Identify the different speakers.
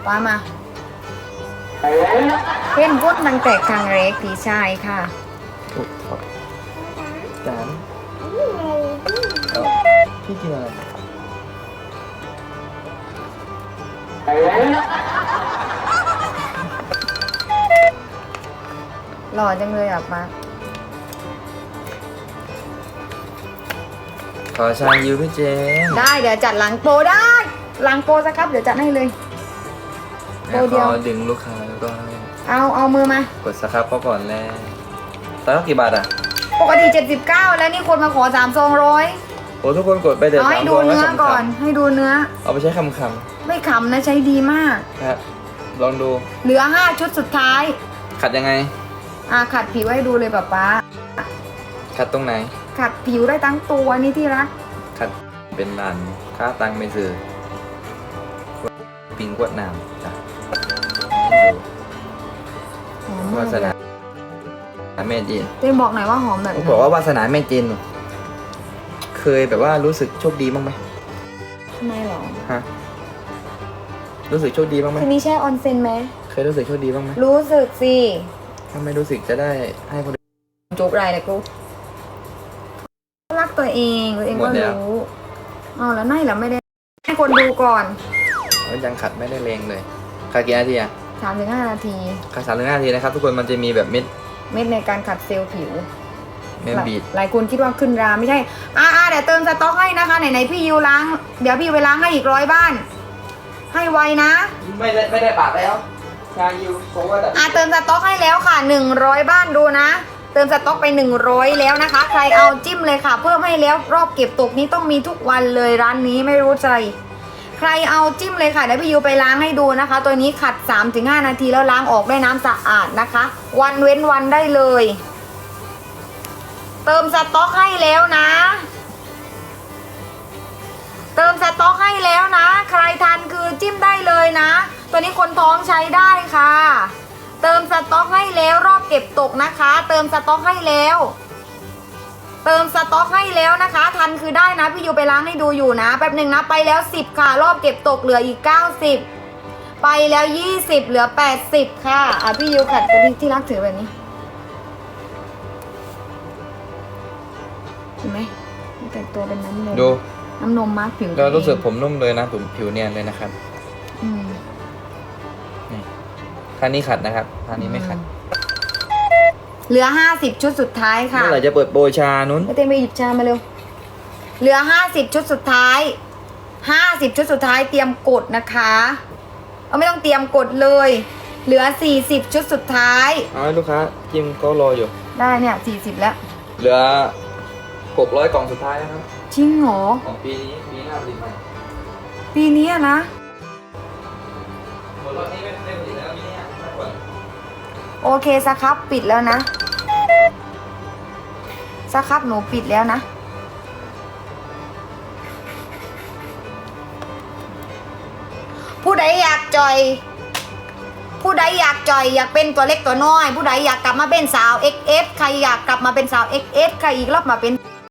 Speaker 1: ป้ามาเพ่นพุทธตั้งแต่ครั้งแรกพี่ชายค่ะ
Speaker 2: ถูกครับจานพี่กินอะไร
Speaker 1: หล่อจังเลยอ่ะป้า
Speaker 2: ขอชายูพี่เจน
Speaker 1: ได้เดี๋ยวจัดหลังโปรได้หลังโปรสักครับเดี๋ยวจัดให้เลย
Speaker 2: แม่ขอดึงลูกค้าแล้วก็
Speaker 1: เอามือมาก
Speaker 2: ดสครับเขาก่อนแล้วตอนนี้กี่บาทอ่ะ
Speaker 1: ปกติ79แล้วนี่คนมาขอ300
Speaker 2: โอ้ทุกคนกดไปเดี๋ยว
Speaker 1: เอาให้ดูเนื้อก่อนให้ดูเนื้อ
Speaker 2: เอาไปใช้คำ
Speaker 1: ไม่ขำนะใช้ดีมาก
Speaker 2: ๆนะครับลองดู
Speaker 1: เหลือ5ชุดสุดท้าย
Speaker 2: ขัดยังไง
Speaker 1: ขัดผิวให้ดูเลยป๊า
Speaker 2: ขัดตรงไหน
Speaker 1: ขัดผิวได้ทั้งตัวนี่ที่รัก
Speaker 2: ขัดเป็นลานค่าตังไม่ซื้อปิงกวดน้ำจ้ะให้ดู
Speaker 1: หอมมาว
Speaker 2: าก สนาแม่จีน
Speaker 1: เต้บอกหน่อยว่าหอมแบบ
Speaker 2: ผม
Speaker 1: ไหน
Speaker 2: บอกว่าวาสนาแม่จีนเคยแบบว่ารู้สึกโชคดีบ้างไหม
Speaker 1: ทำไมหรอ
Speaker 2: ฮะรู้สึกโชคดีบ้างไหม
Speaker 1: คืนนี้แช่ออนเซ็นไหม
Speaker 2: เคยรู้สึกโชคดีบ้างไหม
Speaker 1: รู้สึกสิ
Speaker 2: ถ้าไม่รู้สึกจะได้ให้คนอื่น
Speaker 1: จุกไรเลยกูรักตัวเองก็
Speaker 2: หมดแล้ว
Speaker 1: รู้แล้วไม่ไม่ได้ให้คนดูก่อน
Speaker 2: แล้วยังขัดไม่ได้แรงเลยขัดกี่นาทีอะ
Speaker 1: 3-5 นาที
Speaker 2: ขัด3 ถึง 5 นาทีนะครับทุกคนมันจะมีแบบเม็ด
Speaker 1: เม็ดในการขัดเซลล์ผิว
Speaker 2: เม็ดบีด
Speaker 1: หลายคนคิดว่าขึ้นราไม่ใช่เดี๋ยวเติมสต๊อกให้นะคะไหนพี่ยูล้างเดี๋ยวพี่ไปล้างให้อีก100 บ้าน ให้ไวนะ
Speaker 2: ไม่ได้ปากแล้วชายูโซว่าแต่
Speaker 1: เติมสต๊อกให้แล้วค่ะ100 บ้านดูนะ เติมสต๊อกไป100แล้วนะคะ ใครเอาจิ้มเลยค่ะ เพิ่มให้แล้วรอบเก็บตกนี้ต้องมีทุกวันเลยร้านนี้ไม่รู้ใจ ใครเอาจิ้มเลยค่ะเดี๋ยวพี่ยูไปล้างให้ดูนะคะ ตัวนี้ขัด 3-5 นาทีแล้วล้างออกด้วยน้ำสะอาดนะคะ วันเว้นวันได้เลย เติมสต๊อกให้แล้วนะ เติมสต๊อกให้แล้วนะ ใครทันคือจิ้มได้เลยนะ ตัวนี้คนท้องใช้ได้ค่ะ เติมสต๊อกให้แล้วรอบเก็บตกนะคะ เติมสต๊อกให้แล้ว เติมสต๊อกให้แล้วนะคะ ทันคือได้นะพี่ยูไปล้างให้ดูอยู่นะแป๊บหนึ่งนะไปแล้ว10ค่ะรอบเก็บตกเหลืออีก90ไปแล้ว20เหลือ80ค่ะพี่ยูขัดตัวที่รักถือแบบนี้เห็นไหมแต่งตัวเป็นน้ำนม
Speaker 2: ดู
Speaker 1: น้ำนมมาร์กผิว
Speaker 2: เรารู้สึกผมนุ่มเลยนะผมผิวเนียนเลยนะครับ นี่ท่านี้ขัดนะครับท่านี้ไม่ขัด
Speaker 1: เหลือ50ชุดสุดท้ายค่ะ
Speaker 2: เมื่อไหร่จะเปิดโปรชานุ้น
Speaker 1: เต้นไปหยิบชามาเร็วเหลือ50ชุดสุดท้าย50ชุดสุดท้ายเตรียมกดนะคะไม่ต้องเตรียมกดเลย เหลือ40ชุดสุดท้าย
Speaker 2: เอาให้ลูกค้าจิ้มก็รออยู่
Speaker 1: ได้เนี่ย40แล้ว
Speaker 2: เหลือ600 กล่องสุดท้ายนะครับ
Speaker 1: จริงเหรอ
Speaker 2: ของปีนี้ปีหน้าผลิตใหม่
Speaker 1: ปีนี้นะ
Speaker 2: หมดรอบนี้ไม่ผลิตแล้วปีนี้ไม่ผลิต
Speaker 1: โอเคสครับปิดแล้วนะสครับหนูปิดแล้วนะผู้ใดอยากจอย ผู้ใดอยากจอยอยากเป็นตัวเล็กตัวน้อย ผู้ใดอยากกลับมาเป็นสาว XS ใครอยากกลับมาเป็นสาว XS ใครอีกรอบมาเป็น